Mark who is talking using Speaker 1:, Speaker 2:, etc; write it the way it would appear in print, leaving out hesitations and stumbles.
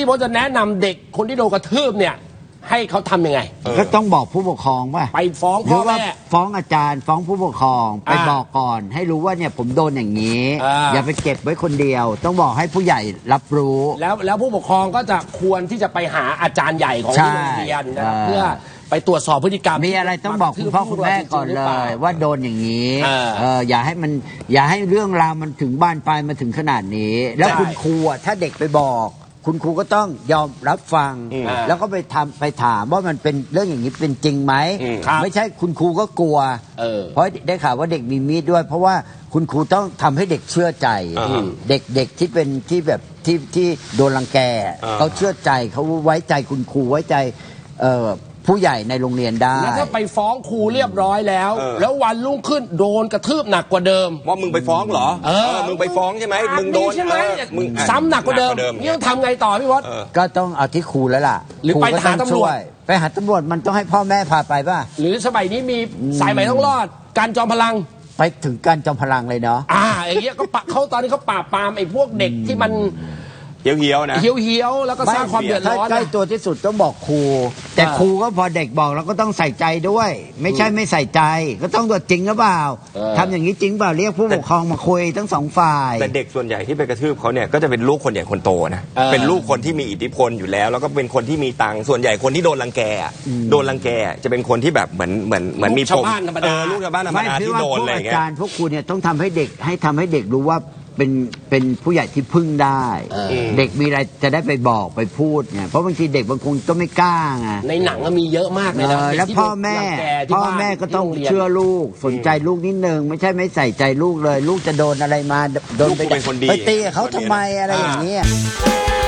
Speaker 1: พี่พจน์จะแนะนำเด็กคนที่โดนกระทืบเนี่ยให้เขาทำยังไง
Speaker 2: ก็ต้องบอกผู้ปกครองว่า
Speaker 1: ไปฟ้องพ่อแม่
Speaker 2: ฟ้องอาจารย์ฟ้องผู้ปกครองไปบอกก่อนให้รู้ว่าเนี่ยผมโดนอย่างนี้ อย่าไปเก็บไว้คนเดียว ต้องบอกให้ผู้ใหญ่รับรู้
Speaker 1: แล้วผู้ปกครองก็จะควรที่จะไปหาอาจารย์ใหญ่ของโรงเรียนนะเพื่อไปตรวจสอบพฤติกรรม
Speaker 2: มีอะไรต้องบอกคุณพ่อคุณแม่ก่อนเลยว่าโดนอย่างนี้อย่าให้เรื่องราวมันถึงบ้านปลายมาถึงขนาดนี้แล้วคุณครูถ้าเด็กไปบอกคุณครูก็ต้องยอมรับฟังแล้วก็ไปถามว่ามันเป็นเรื่องอย่างนี้เป็นจริงไหมไม่ใช่คุณครูก็กลัวเพราะได้ข่าวว่าเด็กมีมีดด้วยเพราะว่าคุณครูต้องทำให้เด็กเชื่อใจเด็กที่เป็นที่แบบที่โดนรังแกเขาเชื่อใจเขาไว้ใจคุณครูไว้ใจผู้ใหญ่ในโรงเรียนได้
Speaker 1: แล้วถ้าไปฟ้องครูเรียบร้อยแล้ววันรุ่งขึ้นโดนกระทืบหนักกว่าเดิม
Speaker 3: ว่ามึงไปฟ้องเหรอมึงไปฟ้องใช่ไหมมึงโดน
Speaker 1: ใช่ไหมมึงซ้ำหนักกว่าเดิมนี่ต้องทำไงต่อพี่พจน์
Speaker 2: ก็ต้องเอาที่ครูแล้วล่ะ
Speaker 1: หรือไปหาตำรวจ
Speaker 2: ไปหาตำรวจมันต้องให้พ่อแม่พาไปป่ะ
Speaker 1: หรือสมัยนี้มีสายใหม่ต้องรอดการจอมพลัง
Speaker 2: ไปถึงการจอมพลังเลยเนาะ
Speaker 1: อย่างเงี้ยก็เขาตอนนี้เขาปราบปรามไอ้พวกเด็กที่มัน
Speaker 3: เหี่ยวๆนะ
Speaker 1: เหี่ยวแล้วก็สร้างความเดือดร้อน
Speaker 2: ใกล้ตัวที่สุดต้องบอกครูแต่ครูก็พอเด็กบอกเราก็ต้องใส่ใจด้วยไม่ใช่ไม่ใส่ใจก็ต้องตรวจจริงหรือเปล่าทำอย่างนี้จริงเปล่าเรียกผู้ปกครองมาคุยทั้งสองฝ่าย
Speaker 3: แต่เด็กส่วนใหญ่ที่ไปกระทืบเขาเนี่ยก็จะเป็นลูกคนใหญ่คนโตนะเป็นลูกคนที่มีอิทธิพลอยู่แล้วแล้วก็เป็นคนที่มีตังค์ส่วนใหญ่คนที่โดนรังแกจะเป็นคนที่แบบเหมือนมี
Speaker 1: ชาวบ้านธรรมดา
Speaker 3: ลูกชาวบ้านธรรมดาที่โดนอะไรเงี้ย
Speaker 2: อาจารย์พวกครูเนี่ยต้องทำให้เด็กรู้ว่าเป็นผู้ใหญ่ที่พึ่งได้เด็กมีอะไรจะได้ไปบอกไปพูดเนี่ยเพราะบางทีเด็กบางคนก็ไม่กล้าไง
Speaker 1: ในหนังก็มีเยอะมากเลยนะ
Speaker 2: แล้วพ่อแม่ก็ต้องเชื่อลูกสนใจลูกนิดนึงไม่ใช่ไม่ใส่ใจลูกเลยลูกจะโดนอะไรมาโดนไปตีเขาทำไมอะไรอย่างเงี้ย